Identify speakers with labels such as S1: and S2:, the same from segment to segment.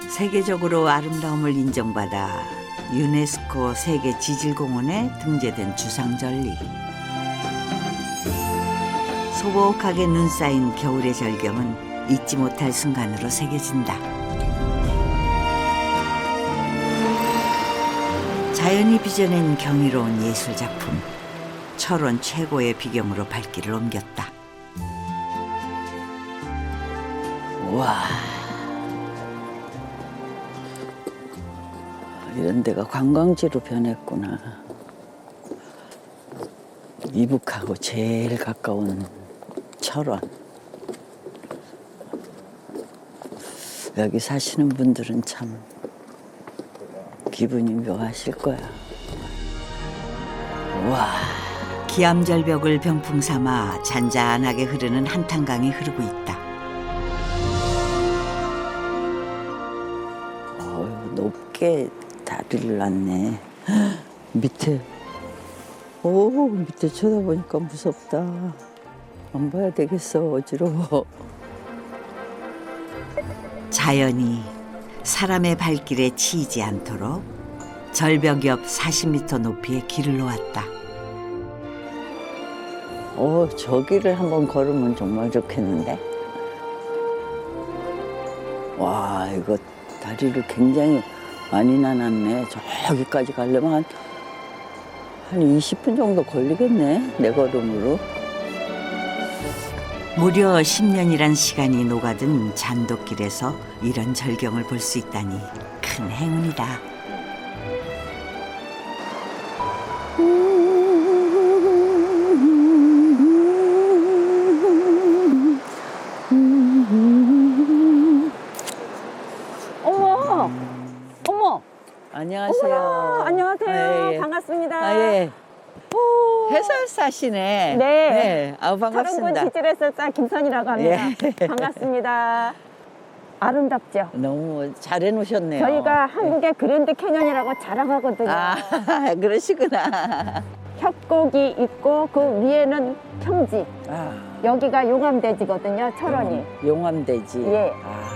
S1: 세계적으로 아름다움을 인정받아 유네스코 세계 지질공원에 등재된 주상절리. 소복하게 눈 쌓인 겨울의 절경은 잊지 못할 순간으로 새겨진다. 자연이 빚어낸 경이로운 예술작품. 철원 최고의 비경으로 발길을 옮겼다. 와, 이런 데가 관광지로 변했구나. 이북하고 제일 가까운 철원. 여기 사시는 분들은 참 기분이 묘하실 거야. 와, 기암절벽을 병풍 삼아 잔잔하게 흐르는 한탄강이 흐르고 있다. 높게 다리를 놨네. 밑에, 밑에 쳐다보니까 무섭다. 안 봐야 되겠어, 어지러워. 자연이 사람의 발길에 치이지 않도록 절벽 옆 40m 높이의 길을 놓았다. 저기를 한번 걸으면 정말 좋겠는데. 와, 이거 다리를 굉장히 많이 나눴네. 저기까지 가려면 한 20분 정도 걸리겠네, 내 걸음으로. 무려 10년이란 시간이 녹아든 잔돗길에서 이런 절경을 볼 수 있다니 큰 행운이다.
S2: 어머! 어머!
S1: 안녕하세요.
S2: 어머나, 안녕하세요.
S1: 예.
S2: 반갑습니다.
S1: 예.
S2: 오.
S1: 해설사시네.
S2: 네.
S1: 아우, 반갑습니다.
S2: 철원군 지질해설사 김선이라고 합니다.
S1: 예.
S2: 반갑습니다. 아름답죠?
S1: 너무 잘해놓으셨네요.
S2: 저희가 한국의 그랜드 캐년이라고 자랑하거든요.
S1: 아, 그러시구나.
S2: 협곡이 있고 그 위에는 평지.
S1: 아,
S2: 여기가 용암대지거든요, 철원이.
S1: 용암대지.
S2: 예.
S1: 아,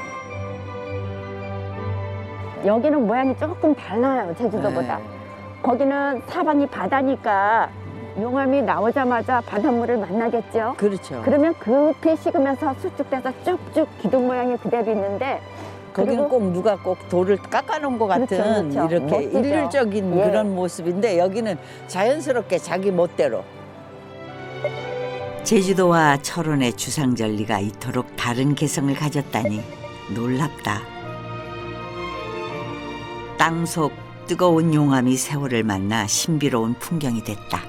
S2: 여기는 모양이 조금 달라요, 제주도보다.
S1: 네.
S2: 거기는 사방이 바다니까 용암이 나오자마자 바닷물을 만나겠죠.
S1: 그렇죠.
S2: 그러면 급히 식으면서 수축돼서 쭉쭉 기둥 모양이 그대로 있는데,
S1: 거기는
S2: 그리고
S1: 꼭 누가 꼭 돌을 깎아놓은 것 같은
S2: 그렇죠, 그렇죠.
S1: 이렇게
S2: 멋지죠.
S1: 일률적인
S2: 예.
S1: 그런 모습인데 여기는 자연스럽게 자기 멋대로. 제주도와 철원의 주상절리가 이토록 다른 개성을 가졌다니 놀랍다. 땅속 뜨거운 용암이 세월을 만나 신비로운 풍경이 됐다.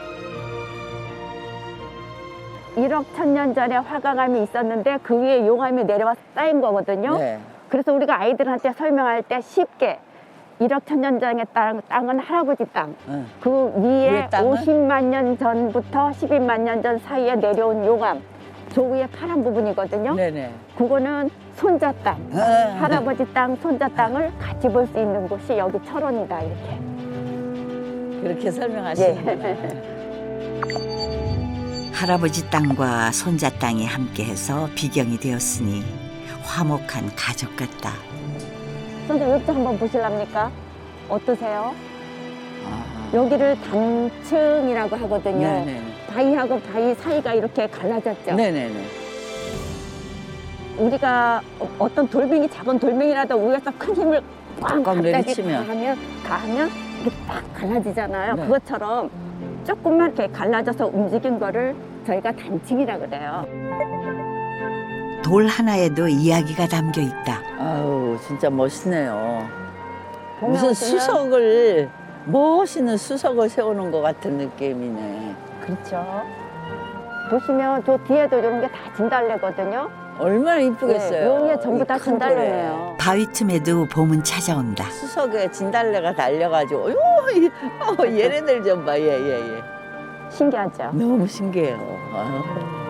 S2: 1억 1000년 전에 화강암이 있었는데 그 위에 용암이 내려와 쌓인 거거든요.
S1: 네.
S2: 그래서 우리가 아이들한테 설명할 때 쉽게 1억 1000년 전의 땅은 할아버지 땅.
S1: 응.
S2: 그 위에
S1: 위에 땅은?
S2: 50만 년 전부터 12만 년 전 사이에 내려온 용암. 저 위에 파란 부분이거든요.
S1: 네네.
S2: 그거는 손자 땅.
S1: 아,
S2: 할아버지 땅, 손자 땅을 같이 볼 수 있는 곳이 여기 철원이다, 이렇게.
S1: 그렇게 설명하시는구나. 할아버지 땅과 손자 땅이 함께해서 비경이 되었으니 화목한 가족 같다.
S2: 선생님, 여기 한번 보실랍니까? 어떠세요?
S1: 아,
S2: 여기를 단층이라고 하거든요.
S1: 네네네.
S2: 바위하고 바위 사이가 이렇게 갈라졌죠.
S1: 네네네.
S2: 우리가 어떤 돌멩이, 작은 돌멩이라도 위에서 큰 힘을 꽉
S1: 꽉 내리치면.
S2: 가하면 이게 딱 갈라지잖아요.
S1: 네.
S2: 그것처럼 조금만 이렇게 갈라져서 움직인 거를 저희가 단층이라 그래요.
S1: 돌 하나에도 이야기가 담겨 있다. 아우, 진짜 멋있네요. 무슨 수석을, 멋있는 수석을 세우는 것 같은 느낌이네.
S2: 그렇죠. 보시면 저 뒤에도 이런 게 다 진달래거든요.
S1: 얼마나 이쁘겠어요.
S2: 여기에 전부 다
S1: 이큰
S2: 진달래네요.
S1: 바위 틈에도 봄은 찾아온다. 수석에 진달래가 달려가지고, 얘네들 좀 봐, 예.
S2: 신기하죠.
S1: 너무 신기해요. 아.